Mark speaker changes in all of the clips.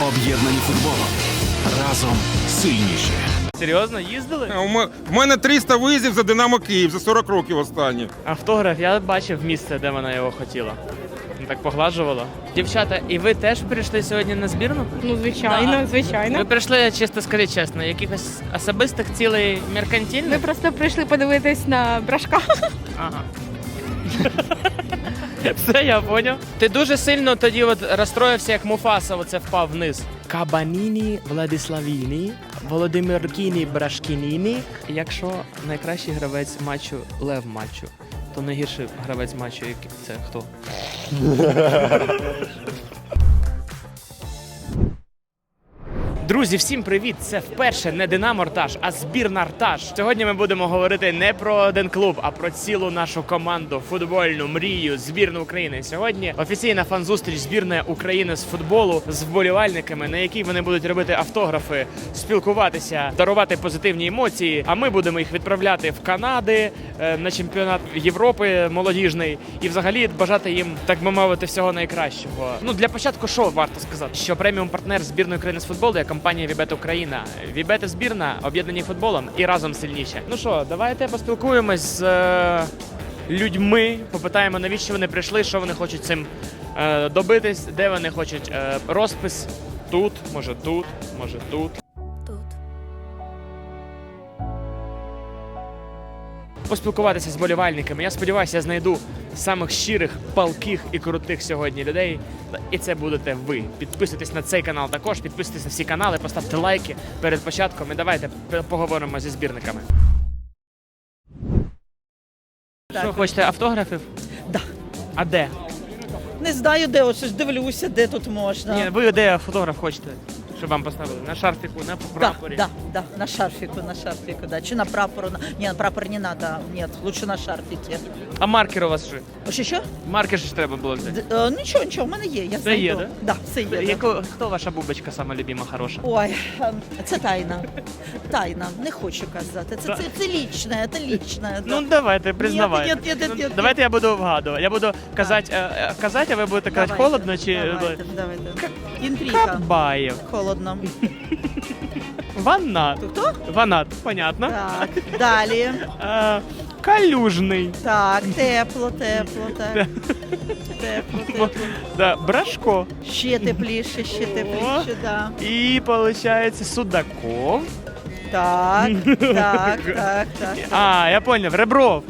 Speaker 1: Об'єднані футболом. Разом сильніші.
Speaker 2: Серйозно, їздили?
Speaker 3: У мене 300 виїздів за Динамо Київ за 40 років останні.
Speaker 2: Автограф, я бачив місце, де вона його хотіла. Так погладжувала. Дівчата, і ви теж прийшли сьогодні на збірну?
Speaker 4: Ну, звичайно, звичайно.
Speaker 2: Ви прийшли, чисто скажіть чесно, якихось особистих цілей
Speaker 4: Ми
Speaker 2: меркантильних?
Speaker 4: просто прийшли подивитись на Брашка.
Speaker 2: Ага. Все, я поняв. Ти дуже сильно тоді от розстроївся, як Муфаса оце впав вниз. Кабаніні, Владиславіні, Володимир Кіні, Брашкініні. Якщо найкращий гравець матчу Лев матчу, то найгірший гравець матчу це хто? Друзі, всім привіт! Це вперше не Динамо Ртаж, а збірна Ртаж. Сьогодні ми будемо говорити не про один клуб, а про цілу нашу команду, футбольну мрію, збірну України. Сьогодні офіційна фан-зустріч збірної України з футболу з вболівальниками, на якій вони будуть робити автографи, спілкуватися, дарувати позитивні емоції. А ми будемо їх відправляти в Канади на чемпіонат Європи молодіжний і взагалі бажати їм, так би мовити, всього найкращого. Ну для початку, що варто сказати, що преміум партнер збірної України з футболу є компанія Вібет Україна. Вібет збірна, об'єднані футболом і разом сильніше. Ну що, давайте поспілкуємось з людьми, попитаємо, навіщо вони прийшли, що вони хочуть цим добитись, де вони хочуть розпис. Тут, може тут, може тут. Поспілкуватися з болівальниками. Я сподіваюся, я знайду самих щирих, палких і крутих сьогодні людей. І це будете ви. Підписуйтесь на цей канал також, підписуйтесь на всі канали, поставте лайки перед початком і давайте поговоримо зі збірниками. Що, хочете автографів?
Speaker 5: Да.
Speaker 2: А де?
Speaker 5: Не знаю, де, ось дивлюся, де тут можна.
Speaker 2: Ні, ви де фотограф хочете, щоб вам поставили? На шарфіку, на прапорі?
Speaker 5: Да, на шарфику, да. Чи на прапору? Не, на прапор не надо, нет, лучше на шарфике.
Speaker 2: А маркер у вас що?
Speaker 5: Що?
Speaker 2: Маркер ж треба було взяти.
Speaker 5: Нічого, в мене є, я знайду.
Speaker 2: є, да?
Speaker 5: Да, все є. Да.
Speaker 2: Хто ваша бубочка сама любима, хороша?
Speaker 5: Ой, це тайна. Тайна, не хочу казати. Це лічне, це лічне.
Speaker 2: Ну давайте, признавайте.
Speaker 5: Ні.
Speaker 2: Давайте я буду вгадувати. Я буду казати, а ви будете казати холодно чи...
Speaker 5: Давайте. Інтрига.
Speaker 2: Кабаєв.
Speaker 5: Холодно.
Speaker 2: Ванат.
Speaker 5: Хто?
Speaker 2: Ванат, понятно.
Speaker 5: Так, далі.
Speaker 2: Калюжний.
Speaker 5: Так, тепло.
Speaker 2: Да, Брашко.
Speaker 5: Ще тепліше, да.
Speaker 2: І, виходить, Судаков.
Speaker 5: Так.
Speaker 2: А, я поняв, Ребров.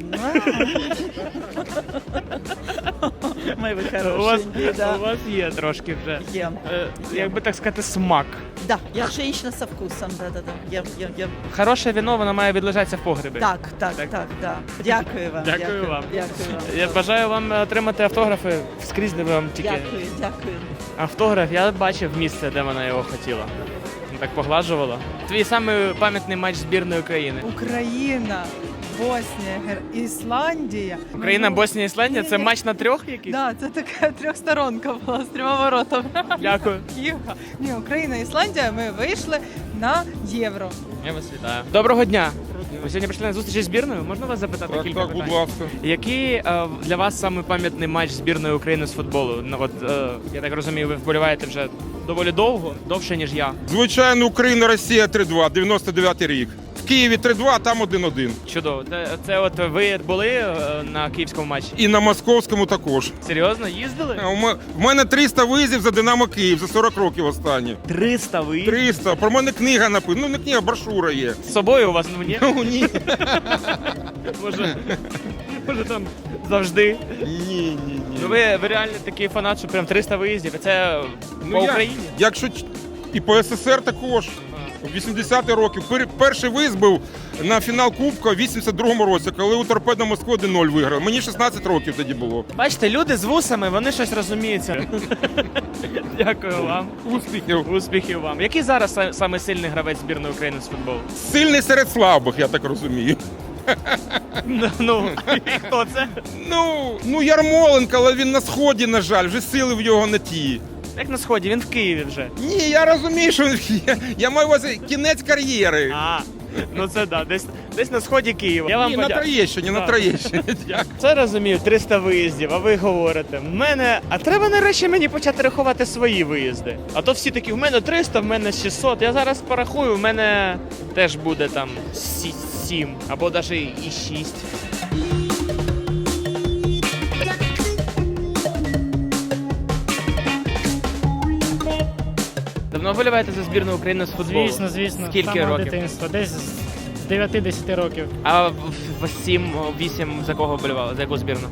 Speaker 5: Ми ви
Speaker 2: У вас
Speaker 5: хорошенькі,
Speaker 2: є трошки вже.
Speaker 5: Є.
Speaker 2: Як би так сказати, смак.
Speaker 5: Да, я женщина со вкусом, да. Є.
Speaker 2: Хороше віно, воно має відлежатися в погребі.
Speaker 5: Так, да. Дякую вам.
Speaker 2: Дякую вам.
Speaker 5: Дякую вам.
Speaker 2: Я бажаю вам отримати автографи скрізь, де вам тільки.
Speaker 5: Дякую.
Speaker 2: Автограф, я бачив місце, де вона його хотіла. Так погладжувала. Твій самий пам'ятний матч збірної України.
Speaker 6: Україна, Боснія, Ісландія.
Speaker 2: Україна, Боснія, Ісландія – це матч на трьох якийсь?
Speaker 6: Да, це така трьохсторонка була з трьома воротами.
Speaker 2: Дякую.
Speaker 6: Ні, Україна, Ісландія, ми вийшли на Євро.
Speaker 2: Я вас вітаю. Доброго дня. Ви сьогодні прийшли на зустріч з збірною? Можна вас запитати кілька
Speaker 3: Так,
Speaker 2: питань?
Speaker 3: будь ласка.
Speaker 2: Який для вас самий пам'ятний матч збірної України з футболу? Ну, от, я так розумію, ви вболіваєте вже доволі довго, довше, ніж я.
Speaker 3: Звичайно, Україна-Росія 3-2, 99-й рік. В Києві 3-2, а там 1-1.
Speaker 2: Чудово. Це от ви були на київському матчі?
Speaker 3: І на московському також.
Speaker 2: Серйозно? Їздили?
Speaker 3: В мене 300 виїздів за Динамо Київ за 40 років останні.
Speaker 2: 300 ви? 300.
Speaker 3: Про мене книга написана. Ну, не книга, брошура є.
Speaker 2: З собою у вас, ну ні?
Speaker 3: Ну, ні.
Speaker 2: Може там завжди?
Speaker 3: Ні.
Speaker 2: Ну ви реально такий фанат, що прям 300 виїздів, і це по Україні?
Speaker 3: Якщо і по СССР також. У 80-ті роки. Перший виїзд був на фінал Кубка в 82-му році, коли у Торпедо Москва 1-0 виграв. Мені 16 років тоді було.
Speaker 2: Бачите, люди з вусами, вони щось розуміються. Дякую вам.
Speaker 3: Успіхів.
Speaker 2: Успіхів вам. Який зараз самий сильний гравець збірної України з футболу?
Speaker 3: Сильний серед слабих, я так розумію.
Speaker 2: Ну, і хто це?
Speaker 3: Ну, Ярмоленко, але він на сході, на жаль, вже сили в його не ті.
Speaker 2: Як на сході, він в Києві вже.
Speaker 3: Ні, я розумію, що я маю на увазі кінець кар'єри.
Speaker 2: Ну це да, десь на сході Києва. Я вам
Speaker 3: Ні, на Троєщині, на
Speaker 2: Так.
Speaker 3: Троєщині. Дякую.
Speaker 2: Це розумію, 300 виїздів, а ви говорите, а треба нарешті мені почати рахувати свої виїзди. А то всі такі, в мене 300, в мене 600. Я зараз порахую, в мене теж буде там 7 або навіть і 6. Давно вболіваєте за збірну України з футболу?
Speaker 7: Звісно.
Speaker 2: Скільки
Speaker 7: З самого
Speaker 2: років?
Speaker 7: дитинства. Десь з 9-10 років.
Speaker 2: А в 7-8 за кого вболівали? За яку збірну?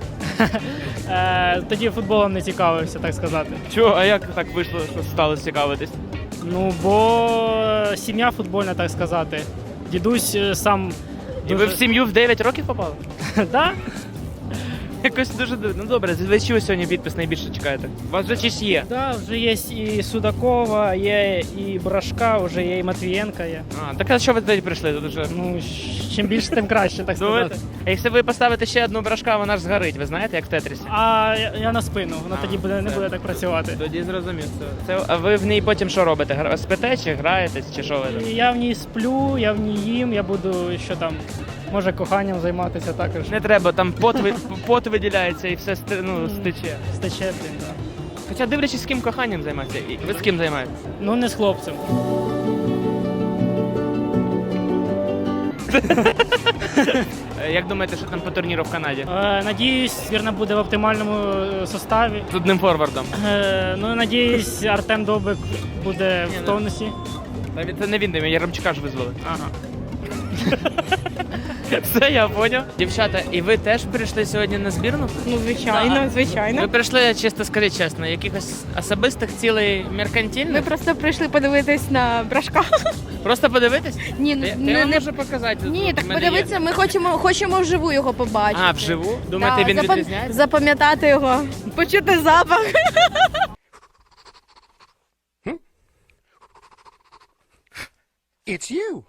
Speaker 7: Тоді футболом не цікавився, так сказати.
Speaker 2: Чого? А як так вийшло, що стали цікавитись?
Speaker 7: Ну, бо сім'я футбольна, так сказати. Дідусь сам
Speaker 2: І ви в сім'ю в 9 років попали?
Speaker 7: Да?
Speaker 2: Якось дуже дивно. Ну добре, ви чого сьогодні підпис найбільше чекаєте? У вас вже чись є.
Speaker 7: Да, вже є і Судакова, є і Брашка, вже є і Матвієнка є.
Speaker 2: Так а що ви тоді прийшли? Тут вже...
Speaker 7: Ну, чим більше, тим краще, так
Speaker 2: Думаєте?
Speaker 7: сказати.
Speaker 2: А якщо ви поставите ще одну брашка, вона ж згорить, ви знаєте, як в Тетрісі?
Speaker 7: А я на спину, воно тоді не
Speaker 2: все.
Speaker 7: буде так працювати.
Speaker 2: Тоді зрозумів. А ви в ній потім що робите? Спите чи граєтесь, чи що ви?
Speaker 7: І я в ній сплю, я в ній їм, я буду що там, може коханням займатися також.
Speaker 2: Не треба, там пот виділяється і все стече.
Speaker 7: Стече, блін, да.
Speaker 2: Хоча дивлячись, з ким коханням займатися. І ви з ким займаєтесь?
Speaker 7: Ну, не з хлопцем.
Speaker 2: Як думаєте, що там по турніру в Канаді?
Speaker 7: Надіюсь, збірна буде в оптимальному составі.
Speaker 2: З одним форвардом.
Speaker 7: Ну, надіюсь, Артем Довбик буде в тонусі.
Speaker 2: Це не він, Яремчука ж визвали.
Speaker 7: Ага.
Speaker 2: Все, я поняв. Дівчата, і ви теж прийшли сьогодні на збірну?
Speaker 4: Ну, звичайно,
Speaker 2: Ви
Speaker 4: звичайно.
Speaker 2: прийшли, чисто скажіть чесно, якихось особистих цілей
Speaker 4: Ми
Speaker 2: меркантильних?
Speaker 4: просто прийшли подивитись на брашка.
Speaker 2: Просто подивитись?
Speaker 4: Ні,
Speaker 2: Я вам можу показати.
Speaker 4: Ні,
Speaker 2: Тут
Speaker 4: так
Speaker 2: в мене
Speaker 4: подивитися,
Speaker 2: є.
Speaker 4: ми хочемо вживу його побачити.
Speaker 2: А, вживу? Думаєте, він відрізняється?
Speaker 4: Запам'ятати його, почути запах.
Speaker 1: It's you.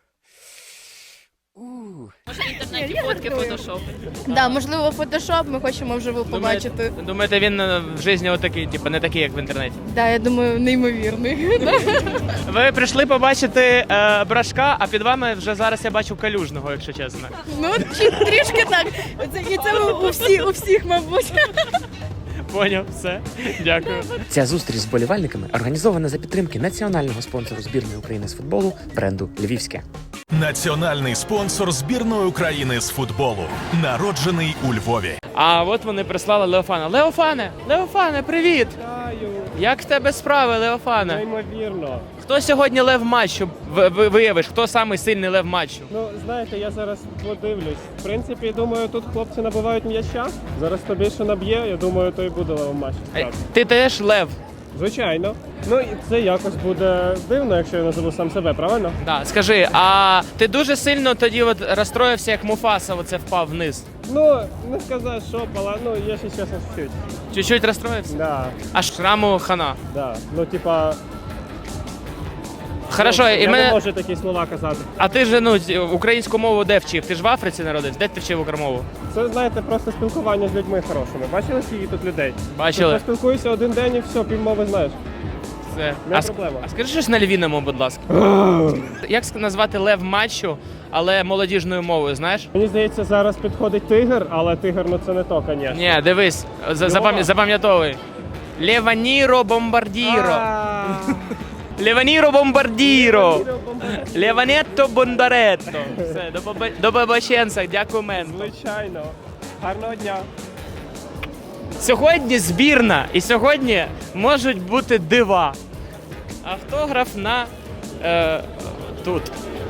Speaker 4: Да, можливо, фотошоп, ми хочемо вживу побачити.
Speaker 2: Думаєте, він в житті отакий, типу, не такий, як в інтернеті?
Speaker 4: Да, я думаю, неймовірний.
Speaker 2: Ви прийшли побачити брашка, а під вами вже зараз я бачу Калюжного, якщо чесно.
Speaker 4: Ну, трішки так. І це у всіх, мабуть.
Speaker 2: Поняв, все. Дякую.
Speaker 8: Ця зустріч з болівальниками організована за підтримки національного спонсору збірної України з футболу бренду Львівське.
Speaker 9: Національний спонсор збірної України з футболу, народжений у Львові.
Speaker 2: А от вони прислали Леофана. Леофане, привіт! Як в тебе справи, Леофане?
Speaker 10: Неймовірно.
Speaker 2: Хто сьогодні лев матчу виявиш? Хто самий сильний лев матчу?
Speaker 10: Ну, знаєте, я зараз подивлюсь. В принципі, думаю, тут хлопці набивають м'яча. Зараз хто більше наб'є, я думаю, то і буде левом матч.
Speaker 2: Ти теж лев?
Speaker 10: Звичайно. Ну, і це якось буде дивно, якщо я назову сам себе, правильно?
Speaker 2: Да, скажи, а ти дуже сильно тоді от розстроївся, як Муфаса оце впав вниз?
Speaker 10: Ну, не сказати, що пала, ну, я ще чесно чуть-чуть.
Speaker 2: Чуть-чуть розстроївся?
Speaker 10: Да,
Speaker 2: А шраму хана.
Speaker 10: да. Ну, типа,
Speaker 2: Хорошо,
Speaker 10: я
Speaker 2: і
Speaker 10: не
Speaker 2: мене...
Speaker 10: можу такі слова казати.
Speaker 2: А ти ж українську мову де вчив? Ти ж в Африці народився? Де ти вчив українську?
Speaker 10: Це, знаєте, просто спілкування з людьми хорошими. Бачили, скільки тут людей?
Speaker 2: Бачили.
Speaker 10: Ти поспілкуєшся один день і все, півмови знаєш.
Speaker 2: Все.
Speaker 10: Не проблема.
Speaker 2: А скажи щось на львіному, будь ласка. Як назвати лев матчу, але молодіжною мовою, знаєш?
Speaker 10: Мені здається, зараз підходить тигр, але тигр, ну це не то, звісно.
Speaker 2: Ні, дивись, запам'ятовуй. Леваніро бомбардіро. Леваніро бомбардіро. Леванетто бондаретто. Все, до побаченця, дякую, мен.
Speaker 10: Звичайно. Гарного дня.
Speaker 2: Сьогодні збірна, і сьогодні можуть бути дива. Автограф на тут.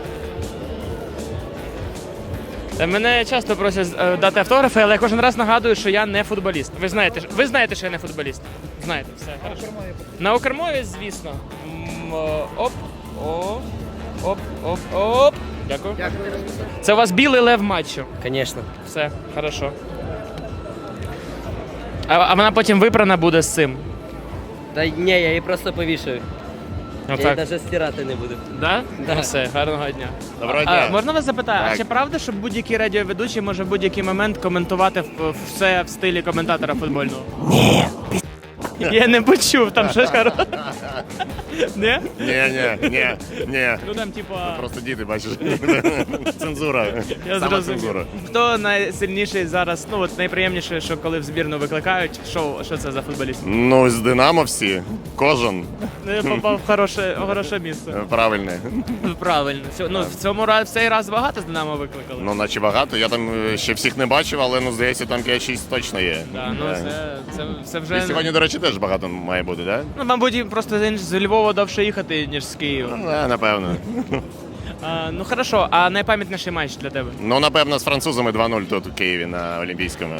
Speaker 2: Мене часто просять дати автографи, але я кожен раз нагадую, що я не футболіст. Ви знаєте, що я не футболіст? Знаєте, все. Хорошо. На укрмові, звісно. Оп, оп, оп, оп, оп. Дякую. Це у вас білий лев матчу.
Speaker 11: Звісно.
Speaker 2: Все, хорошо. А вона потім випрана буде з цим.
Speaker 11: Та ні, я її просто повішаю. Я її навіть стирати не буду.
Speaker 2: Да?
Speaker 11: Да.
Speaker 2: Ну, все, гарного дня.
Speaker 1: Доброго дня.
Speaker 2: Можна вас запитати, а чи правда, що будь-який радіоведучий може в будь-який момент коментувати все в стилі коментатора футбольного? Я не почув, там щось хороше. Не?
Speaker 3: Ні.
Speaker 2: Ну там, типа...
Speaker 3: Просто діти, бачиш. Цензура.
Speaker 2: Я зрозумів. Хто найсильніший зараз, ну от найприємніше, що коли в збірну викликають, що це за футболіст?
Speaker 3: Ну, з Динамо всі. Кожен.
Speaker 2: Ну, я попав в хороше місце.
Speaker 3: Правильний.
Speaker 2: Правильно. Ну, в цей раз багато з Динамо викликали?
Speaker 3: Ну, наче багато. Я там ще всіх не бачив, але, ну, здається, там 5-6 точно є.
Speaker 2: Да, ну, це вже...
Speaker 3: І сьогодні, до речі, теж багато має бути, так?
Speaker 2: Ну, мабуть, просто з Львова довше їхати, ніж з Києва.
Speaker 3: Ну, напевно.
Speaker 2: Ну, хорошо, а найпам'ятніший матч для тебе?
Speaker 3: Ну, напевно, з французами 2-0 тут у Києві на Олімпійському.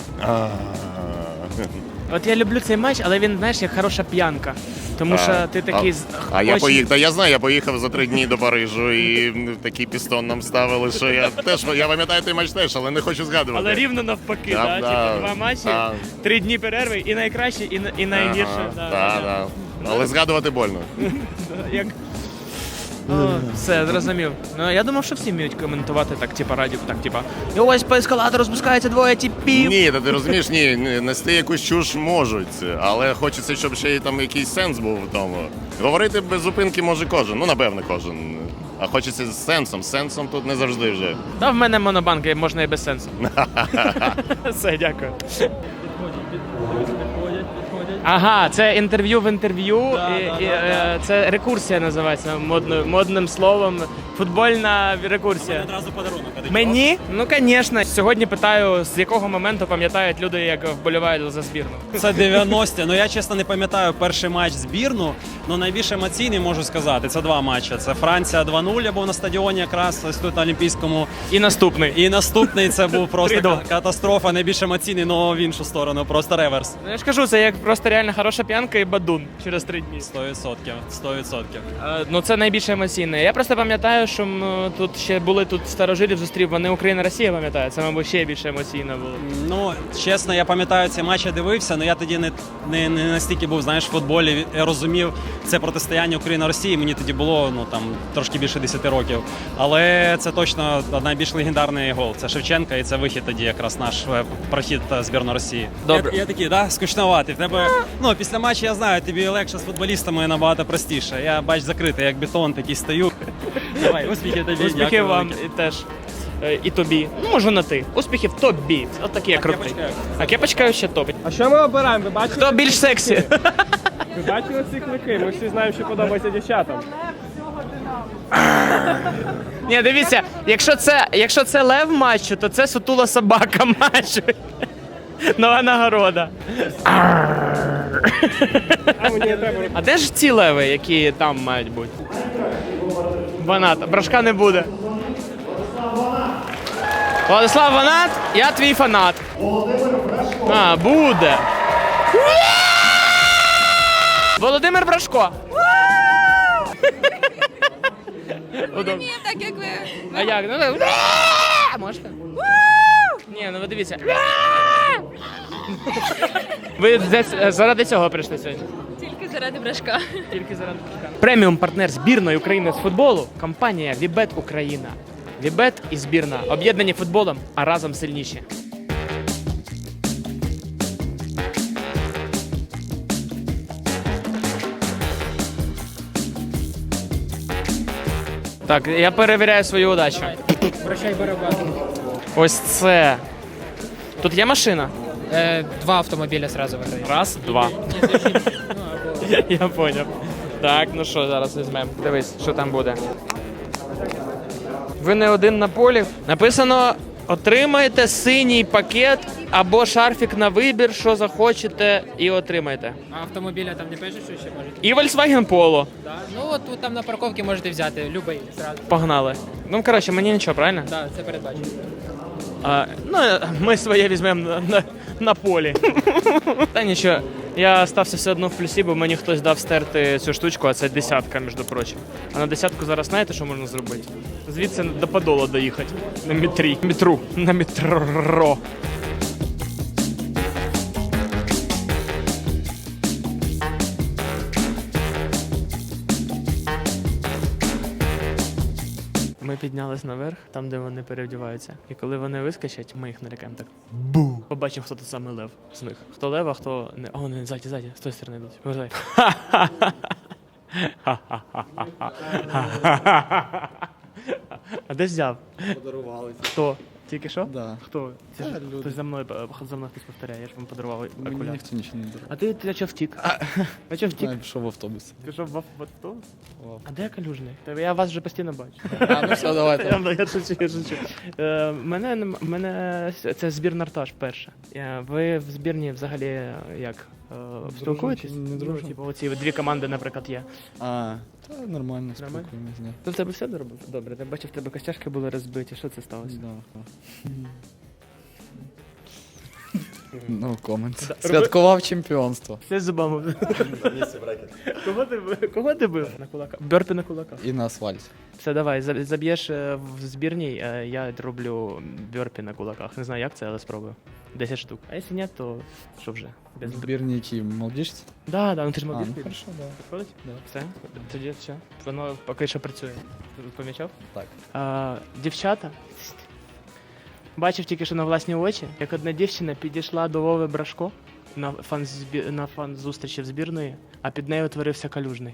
Speaker 2: От я люблю цей матч, але він, знаєш, як хороша п'янка. Тому що ти такий...
Speaker 3: Я поїхав, та я знаю, я поїхав за 3 дні до Парижу і такий пістон нам ставили, що я пам'ятаю той матч теж, але не хочу згадувати.
Speaker 2: Але рівно навпаки,
Speaker 3: Да,
Speaker 2: так?
Speaker 3: да,
Speaker 2: Типу 2 матчі,
Speaker 3: да.
Speaker 2: 3 дні перерви, і найкраще, і найгірше.
Speaker 3: Так. Але згадувати больно.
Speaker 2: Як... Все, зрозумів. Ну, я думав, що всі вміють коментувати так, типа, радіо, так, типа, і ось по ескалатору спускається 2 типів.
Speaker 3: Ні, та ти розумієш, ні, нести якусь чуш можуть, але хочеться, щоб ще й там якийсь сенс був в тому. Говорити без зупинки може кожен, ну, напевно, кожен. А хочеться з сенсом. З сенсом тут не завжди вже.
Speaker 2: Та в мене монобанк, можна і без сенсу. Все, дякую. Ага, це інтерв'ю в інтерв'ю. Це рекурсія називається модним словом. Футбольна рекурсія.
Speaker 7: Одразу подарунок.
Speaker 2: Мені? Ну, звісно. Сьогодні питаю, з якого моменту пам'ятають люди, як вболівають за збірну.
Speaker 7: Це 90-ті. Ну я чесно не пам'ятаю перший матч збірну, але найбільш емоційний можу сказати. Це 2 матчі. Це Франція 2-0, я був на стадіоні якраз ось тут на Олімпійському.
Speaker 2: І наступний.
Speaker 7: І наступний це був просто катастрофа, найбільш емоційний, але в іншу сторону, просто реверс.
Speaker 2: Ну, я ж кажу, це як просто реально хороша п'янка і бадун через 3 дні.
Speaker 7: 100%.
Speaker 2: Ну це найбільш емоційне. Я просто пам'ятаю, що тут ще були старожилів зустрів, вони Україна-Росія, пам'ятаю. Це, мабуть, ще більше емоційно було.
Speaker 7: Ну, чесно, я пам'ятаю цей матч, я дивився, але я тоді не настільки був, знаєш, в футболі, я розумів це протистояння Україна-Росії, мені тоді було, ну, там, трошки більше 10 років. Але це точно найбільш легендарний гол. Це Шевченка і це вихід тоді якраз наш прохід збірної Росії.
Speaker 2: Добре.
Speaker 7: Я такий, да, скучноватий. В тебе, ну, після матчу, я знаю, тобі легше з футболістами набагато простіше. Я, бач, закритий, як бетон, такий стою. Давай, успіхів тобі.
Speaker 2: Успіхів вам і теж. І тобі. Ну, може на ти. Успіхів тобі. От такий я крутий. А кепочка ще топить.
Speaker 10: А що ми обираємо? Ви бачили?
Speaker 2: Хто більш сексі?
Speaker 10: Ви бачили ці клики? Ми всі знаємо, що подобається дівчатам.
Speaker 2: Ні, дивіться, якщо це лев матчу, то це сутула собака матчу. Нова нагорода. А де ж ці леви, які там мають бути? Ванат. Брашка не буде. Владислав Ванат, я твій фанат. А, буде. Володимир Брашко.
Speaker 4: Ні, так як ви.
Speaker 2: А як? Ну так. Можете? Ні, ну ви дивіться. Ви заради цього прийшли сьогодні?
Speaker 4: Тільки заради Брашка.
Speaker 2: Тільки заради Брашка. Преміум партнер збірної України з футболу – компанія Вібет Україна. Вібет і збірна об'єднані футболом, а разом сильніші. Так, я перевіряю свою удачу.
Speaker 7: Прощай, барабан.
Speaker 2: Ось це. Тут є машина?
Speaker 7: 2 автомобіля одразу виграють.
Speaker 2: Раз, два. Я поняв. Так, ну що, зараз візьмемо. Дивись, що там буде. Ви не один на полі. Написано: отримайте синій пакет або шарфік на вибір, що захочете, і отримайте.
Speaker 7: А автомобіля там не пишеш, що ще можете?
Speaker 2: І Volkswagen Polo.
Speaker 7: Да. Ну, от тут там на парковці можете взяти, любий, зразу.
Speaker 2: Погнали. Ну, коротше, мені нічого, правильно?
Speaker 7: Так, це передбачено.
Speaker 2: Ну, ми своє візьмемо на полі. Та нічого, я стався все одно в плюсі, бо мені хтось дав стерти цю штучку, а це 10-ка, між прочим. А на 10-ку зараз знаєте, що можна зробити? Звідси до Подола доїхати. На На метро. Ми піднялись наверх, там, де вони переодіваються. І коли вони вискочать, ми їх налякаємо так. Бу! Побачимо, хто тут саме лев з них. Хто лев, а хто не. О, не, ззаді, з тої сторони йдуть. Повертай. А де взяв?
Speaker 10: Подарували.
Speaker 2: Хто? Тільки що?
Speaker 10: Да.
Speaker 2: Хто? Це ж
Speaker 10: люди.
Speaker 2: хтось за мною хтось повторяє, я ж вам подарував
Speaker 10: Мені
Speaker 2: окуляр.
Speaker 10: ніхто нічого не дарував.
Speaker 2: А ти чого втік? А чого втік?
Speaker 10: Я пішов в автобус.
Speaker 2: Пішов в автобус? А де Калюжний? Я вас вже постійно бачу.
Speaker 10: А, ну все, давайте.
Speaker 2: Я шучу. Мене це збірна Арташ перша. Ви в збірні взагалі як? Спілкуєтесь?
Speaker 10: Не дружимо.
Speaker 2: Типу, оці дві команди, наприклад, є.
Speaker 10: А, та нормально, спілкуємось, да.
Speaker 2: То в тебе все добре? Я бачив, в тебе костяшки були розбиті. Що це сталося?
Speaker 10: No comment.
Speaker 2: Да.
Speaker 10: Святкував чемпіонство.
Speaker 2: Все з зубами. Кого ти бив? На кулаках. Бёрпі на кулаках.
Speaker 10: І на асфальті.
Speaker 2: Все, давай, заб'єш в збірній, я роблю бёрпі на кулаках. Не знаю, як це, але спробую. 10 штук. А якщо ні, то що вже? Без...
Speaker 10: Збірні які, молодіжці?
Speaker 2: Да, ну ти ж
Speaker 10: А,
Speaker 2: мобіль.
Speaker 10: ну хорошо, да.
Speaker 2: Підходить?
Speaker 10: Да.
Speaker 2: Все? Тоді все. Воно поки що працює. Ти помічав?
Speaker 10: Так.
Speaker 2: Дівчата. Бачив тільки що на власні очі, як одна дівчина підійшла до Вови Брашко на фан-зустрічі в збірної, а під нею утворився Калюжний.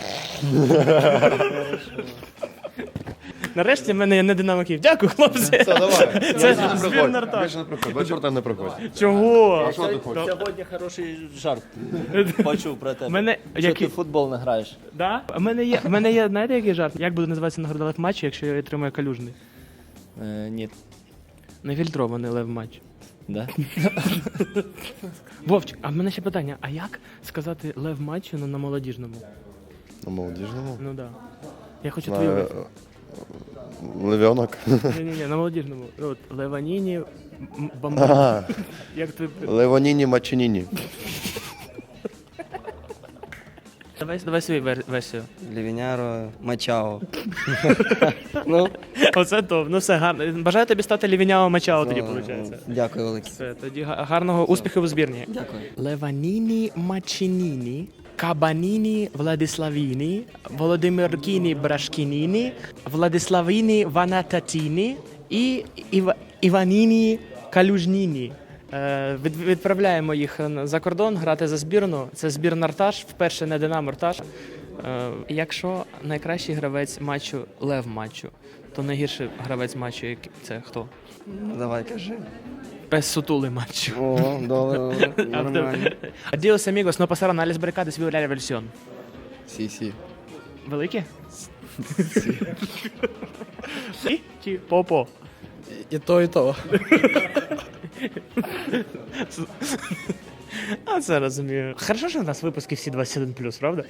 Speaker 2: Нарешті в мене є не Динамо Київ. Дякую, хлопці. Це збірна Арташ.
Speaker 3: Більше там не проходь.
Speaker 2: Чого?
Speaker 11: Сьогодні хороший жарт. Почув про тебе.
Speaker 2: Мене
Speaker 11: Ти в футбол не граєш?
Speaker 2: Да? В мене є, знаєте, який жарт? Як буде називатися нагорода лев матчу, якщо я отримаю Калюжний?
Speaker 11: Ні.
Speaker 2: Нефільтрований лев матч.
Speaker 11: Да?
Speaker 2: Вовчик, а в мене ще питання, а як сказати лев матчу на молодіжному?
Speaker 3: На молодіжному?
Speaker 2: Ну да. Я хочу твою версію.
Speaker 3: Лев'янок.
Speaker 2: Ні, на молодіжному. От, Леваніні, бамбу. Як ти...
Speaker 3: Левоніні Мачиніні.
Speaker 2: Давай свою версію.
Speaker 11: Лівіняро Мачао. Ну,
Speaker 2: Оце то, ну все, гарно. Бажаю тобі стати Лівіняо Мачао тоді, виходить.
Speaker 11: дякую, велике.
Speaker 2: Все, тоді гарного успіху у збірні.
Speaker 11: Дякую.
Speaker 2: Леваніні Мачиніні, Кабаніні Владиславіні, Володимиркіні Брашкініні, Владиславіні Ванататіні і Іваніні Калюжніні. Відправляємо їх за кордон грати за збірну. Це збірна Арташ, вперше не Динамо Арташ. Якщо найкращий гравець матчу лев матчу, то найгірший гравець матчу це хто?
Speaker 11: Давай, кажи.
Speaker 2: Пес сутулий матчу.
Speaker 11: О, добре, нормально.
Speaker 2: Adios, amigos, no pasaron a las barricadas y la revolución.
Speaker 10: Сі.
Speaker 2: Великі? Сі? Чи попо?
Speaker 10: І то, і то.
Speaker 2: А це розумію. Хорошо, що у нас випуски всі 21+, правда?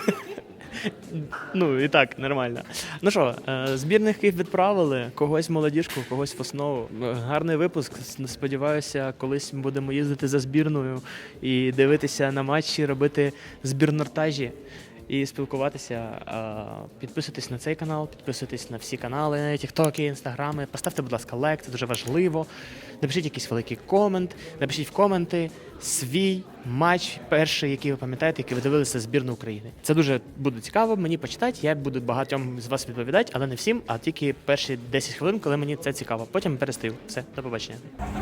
Speaker 2: Ну, і так, нормально. Ну що, збірних Київ відправили, когось в молодіжку, когось в основу. Гарний випуск. Сподіваюся, колись ми будемо їздити за збірною і дивитися на матчі, робити збірнортажі і спілкуватися. Підписуйтесь на цей канал, підписуйтесь на всі канали, тіктоки, інстаграми. Поставте, будь ласка, лайк, це дуже важливо. Напишіть якийсь великий комент, напишіть в коменти свій матч перший, який ви пам'ятаєте, який ви дивилися збірну України. Це дуже буде цікаво мені почитати, я буду багатьом з вас відповідати, але не всім, а тільки перші 10 хвилин, коли мені це цікаво. Потім перестаю. Все, до побачення.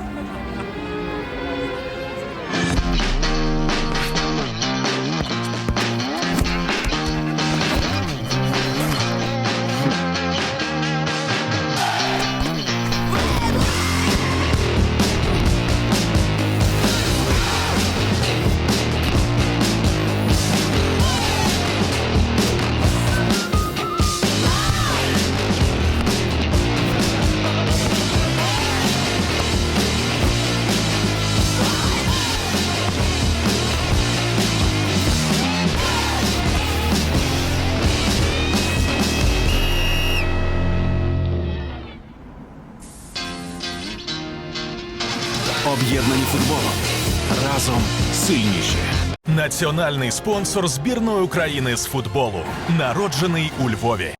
Speaker 9: Об'єднані футболом. Разом сильніші. Національний спонсор збірної України з футболу. Народжений у Львові.